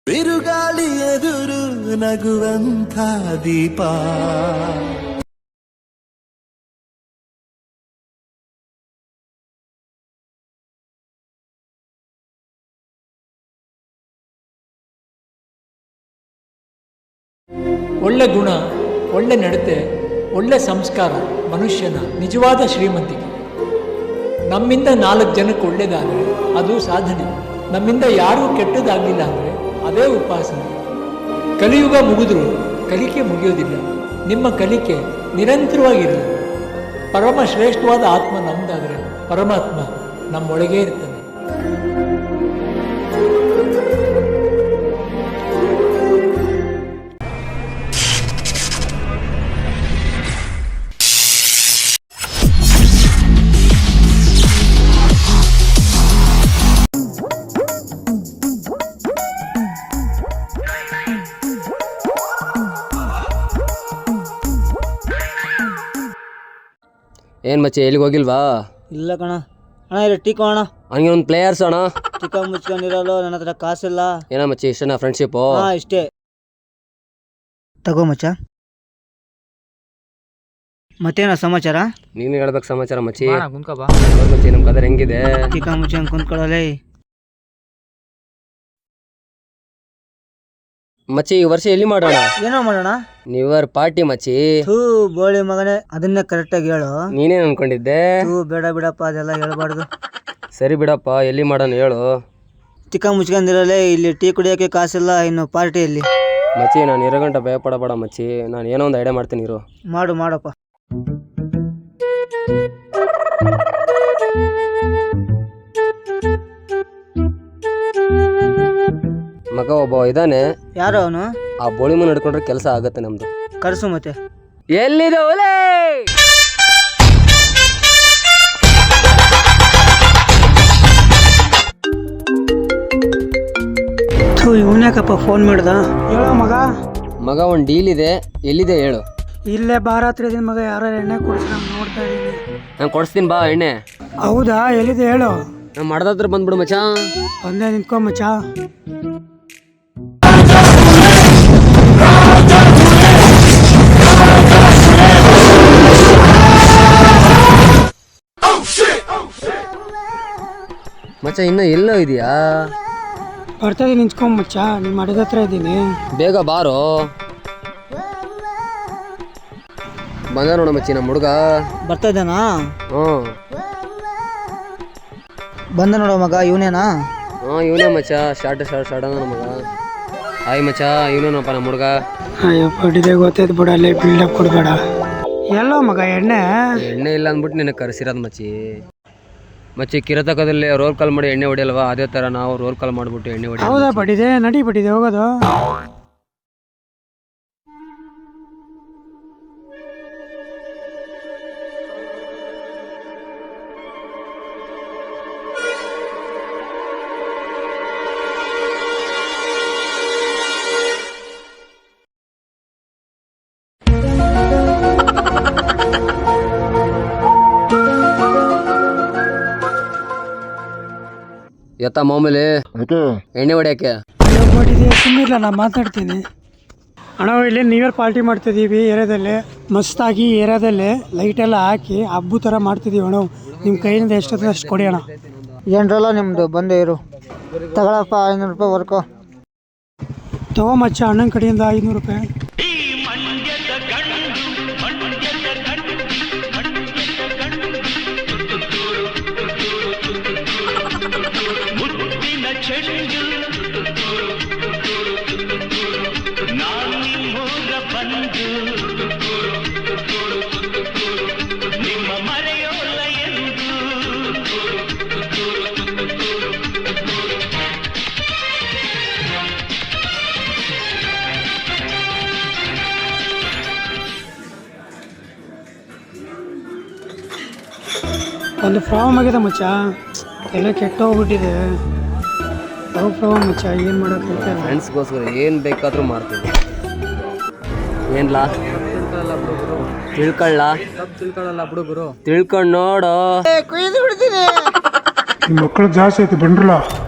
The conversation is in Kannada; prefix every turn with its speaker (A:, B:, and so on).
A: ಬಿರುಗಾಳಿ ಎದುರು ನಗುವಂಥ ದೀಪ.
B: ಒಳ್ಳೆ ಗುಣ, ಒಳ್ಳೆ ನಡತೆ, ಒಳ್ಳೆ ಸಂಸ್ಕಾರ ಮನುಷ್ಯನ ನಿಜವಾದ ಶ್ರೀಮಂತಿಕೆ. ನಮ್ಮಿಂದ 4 ಜನಕ್ಕೆ ಒಳ್ಳೆಯದಾದರೆ ಅದು ಸಾಧನೆ. ನಮ್ಮಿಂದ ಯಾರೂ ಕೆಟ್ಟದಾಗಲಿಲ್ಲ ಅಂದರೆ ಅದೇ ಉಪಾಸನೆ. ಕಲಿಯುಗ ಮುಗಿದ್ರೂ ಕಲಿಕೆ ಮುಗಿಯೋದಿಲ್ಲ. ನಿಮ್ಮ ಕಲಿಕೆ ನಿರಂತರವಾಗಿರಲಿ. ಪರಮ ಶ್ರೇಷ್ಠವಾದ ಆತ್ಮ ನಮ್ಮದಾದರೆ ಪರಮಾತ್ಮ ನಮ್ಮೊಳಗೇ ಇರ್ತಾನೆ.
C: ಏನು ಮಚ್ಚಿ ಎಲ್ಲಿಗೆ ಹೋಗಿಲ್ವಾ?
D: ಇಲ್ಲ ಕಣ ಅಣ್ಣ, ಇಲ್ಲ ಟೀ ಅಣ್ಣ.
C: ಹಂಗೆ ಒಂದು ಪ್ಲೇಯರ್ಸ್ ಅಣ್ಣ.
D: ಚಿಕ್ಕ ಮುಚ್ಕೊಂಡಿರಲ್ಲ, ನನ್ನ ಹತ್ರ ಕಾಸಿಲ್ಲ.
C: ಏನೋ ಮಚ್ಚಿ ಇಷ್ಟನಾ ಫ್ರೆಂಡ್ಶಿಪ್ಪು?
D: ಹಾಂ ಇಷ್ಟೇ, ತಗೋ ಮಚ್ಚ. ಮತ್ತೇನ ಸಮಾಚಾರ?
C: ನೀನು ಹೇಳ್ಬೇಕು ಸಮಾಚಾರ ಮಚ್ಚಿ. ಮಚ್ಚಿ ನಮ್ಮ ಕದರ್ ಹೆಂಗಿದೆ?
D: ಚಿಕ್ಕ ಮುಚ್ಚ ಹಂಗೆ ಕುಂತ್ಕೊಳ್ಳಲೇ.
C: ಮಚ್ಚಿ ಈ ವರ್ಷ ಎಲ್ಲಿ ಮಾಡೋಣ?
D: ಏನೋ ಮಾಡೋಣ?
C: ನ್ಯೂ ಇಯರ್ ಪಾರ್ಟಿ ಮಚ್ಚಿ.
D: ಥೂ ಬೋಳಿ ಮಗನೇ, ಅದನ್ನೇ ಕರೆಕ್ಟಾಗಿ ಹೇಳು.
C: ನೀನೇನು ಅನ್ಕೊಂಡಿದ್ದೆ?
D: ಥೂ ಬೇಡ ಬಿಡಪ್ಪ, ಅದೆಲ್ಲ ಹೇಳ್ಬಾರ್ದು.
C: ಸರಿ ಬಿಡಪ್ಪ, ಎಲ್ಲಿ ಮಾಡೋಣ ಹೇಳು.
D: ಚಿಕ್ಕ ಮುಚ್ಕೊಂಡಿರಲೇ, ಇಲ್ಲಿ ಟೀ ಕುಡಿಯೋಕ್ಕೆ ಕಾಸಿಲ್ಲ, ಇನ್ನು ಪಾರ್ಟಿಯಲ್ಲಿ.
C: ಮಚ್ಚಿ ನಾನು 2 ಗಂಟೆ ಭಯ ಪಡಬೇಡ ಮಚ್ಚಿ, ನಾನು ಏನೋ ಒಂದು ಐಡಿಯಾ ಮಾಡ್ತೀನಿ ಇರು.
D: ಮಾಡಪ್ಪ.
C: ಮಗ ಒಬ್ಬ ಇದ್ದಾನೆ.
D: ಯಾರು ಅವನು?
C: ಆ ಬೋಳಿ ಮನೆ ನಡ್ಕೊಂಡ್ರೆ ಕೆಲಸ ಆಗತ್ತೆ ನಮ್ದು.
D: ಕರ್ಸು ಮತ್ತೆ.
C: ಎಲ್ಲಿದೆ ಓಲೇ?
D: ಇವನ್ಯಾಕಪ್ಪ ಫೋನ್ ಮಾಡ್ದ? ಹೇಳೋ ಮಗ.
C: ಮಗ ಒಂದು ಡೀಲ್ ಇದೆ, ಎಲ್ಲಿದೆ ಹೇಳು.
D: ಇಲ್ಲೇ ಬಾರಾತ್ರಿ ದಿನ ಮಗ, ಯಾರು ಎಣ್ಣೆ ಕೊಡ್ಸಿ ನೋಡ್ತಾ ಇದ್ದೀನಿ.
C: ನಾನು ಕೊಡಿಸ್ತೀನಿ ಬಾ ಎಣ್ಣೆ.
D: ಹೌದಾ, ಎಲ್ಲಿದೆ ಹೇಳು.
C: ನಾನು ಮಾಡ್ದತ್ರ ಬಂದ್ಬಿಡು ಮಚ್ಚ.
D: ಒಂದೇ ನಿಂತ್ಕೊ ಮಚ್ಚ.
C: ಮಚ್ಚ ಇನ್ನೂ ಎಲ್ಲೋ ಇದೆಯಾ?
D: ಬರ್ತಾ ಇದೀನಿ, ನಿಂತ್ಕೊಂಡ್ ಮಚ್ಚ. ನಿಮ್ಮ ಮಡದ ಹತ್ರ ಇದ್ದೀನಿ,
C: ಬೇಗ ಬಾರೋ. ಬಂದ ನೋಡ ಮಚ್ಚಿ ನಮ್ಮ ಹುಡುಗ.
D: ಬರ್ತಾ ಇದ್ದಾನಾ?
C: ಹ್ಞೂ
D: ಬಂದ ನೋಡೋ ಮಗ. ಇವನೇನಾ?
C: ಹಾಂ ಇವನೇ ಮಚ್ಚ. ಸ್ಟಾರ್ಟ್ ಅದ ಮಗ. ಹಾಯ್ ಮಚ್ಚ, ಇವನೇನಪ್ಪ ನಮ್ಮ ಹುಡುಗ.
D: ಅಯ್ಯೋ ಪಡಿದೆ, ಗೊತ್ತೈತೆ ಬಿಡ, ಅಲ್ಲೇ ಬಿಲ್ಡಪ್ ಕೊಡಬೇಡ. ಎಲ್ಲೋ ಮಗ ಎಣ್ಣೆ?
C: ಎಣ್ಣೆ ಇಲ್ಲ ಅಂದ್ಬಿಟ್ಟು ನಿನಗೆ ಕರೆಸಿರೋದು ಮಚ್ಚಿ. ಮಚ್ಚಿ ಕಿರತಕದಲ್ಲಿ ರೋಲ್ ಕಾಲ್ ಮಾಡಿ ಎಣ್ಣೆ ಹೊಡಿಯಲ್ವಾ, ಅದೇ ಥರ ನಾವು ರೋಲ್ ಕಾಲ್ ಮಾಡಿಬಿಟ್ಟು ಎಣ್ಣೆ ಹೊಡಿ.
D: ಹೌದಾ ಪಡಿದೆ, ನಡಿ ಪಡಿದೆ ಹೋಗೋದು.
C: ಎತ್ತ ಮಾಮೂಲಿ ಎಣ್ಣೆ ಹೊಡಿಯೋಕ್ಕೆ.
D: ಸುಮ್ಮನಿಲ್ಲ, ನಾನು ಮಾತಾಡ್ತೀನಿ. ಅಣ್ಣ ಇಲ್ಲಿ ನ್ಯೂ ಇಯರ್ ಪಾರ್ಟಿ ಮಾಡ್ತಿದ್ದೀವಿ ಏರಿಯಾದಲ್ಲಿ. ಮಸ್ತಾಗಿ ಏರಿಯಾದಲ್ಲಿ ಲೈಟ್ ಎಲ್ಲ ಹಾಕಿ ಹಬ್ಬ ಥರ ಮಾಡ್ತಿದ್ದೀವಿ ಅಣ್ಣ. ನಿಮ್ಮ ಕೈಯಿಂದ ಎಷ್ಟೊತ್ತು ಅಷ್ಟು ಕೊಡಿ ಅಣ್ಣ. ಏನರಲ್ಲ ನಿಮ್ಮದು, ಬಂದೇ ಇರು. ತಗೊಳಪ್ಪ 500 ರೂಪಾಯಿ ವರ್ಕೋ. ತಗೋ ಮಚ್ಚ, ಅಣ್ಣನ ಕಡೆಯಿಂದ 500 ರೂಪಾಯಿ. ಒಂದು ಪ್ರಾಬ್ಲಮ್ ಆಗಿದೆ ಮಚ್ಚ, ಎಲ್ಲ ಕೆಟ್ಟೋಗ್ಬಿಟ್ಟಿದೆ. ಪ್ರಾಬ್ಲಮ್ ಮಚ್ಚ, ಏನು ಮಾಡೋಕ್ಕೆ?
C: ಫ್ರೆಂಡ್ಸ್ಗೋಸ್ಕರ ಏನು ಬೇಕಾದರೂ ಮಾಡ್ತೀವಿ. ಏನ್ಲಾ ತಿಳ್ಕೊಳ್ಳಲ್ಲ ಬಿಡು, ತಿಳ್ಕೊಂಡು ನೋಡು.
D: ಕುಯ್ದು ಬಿಡ್ತೀನಿ.
E: ಮಕ್ಕಳು ಜಾಸ್ತಿ ಐತಿ ಬಂದ್ರಲ್ಲ.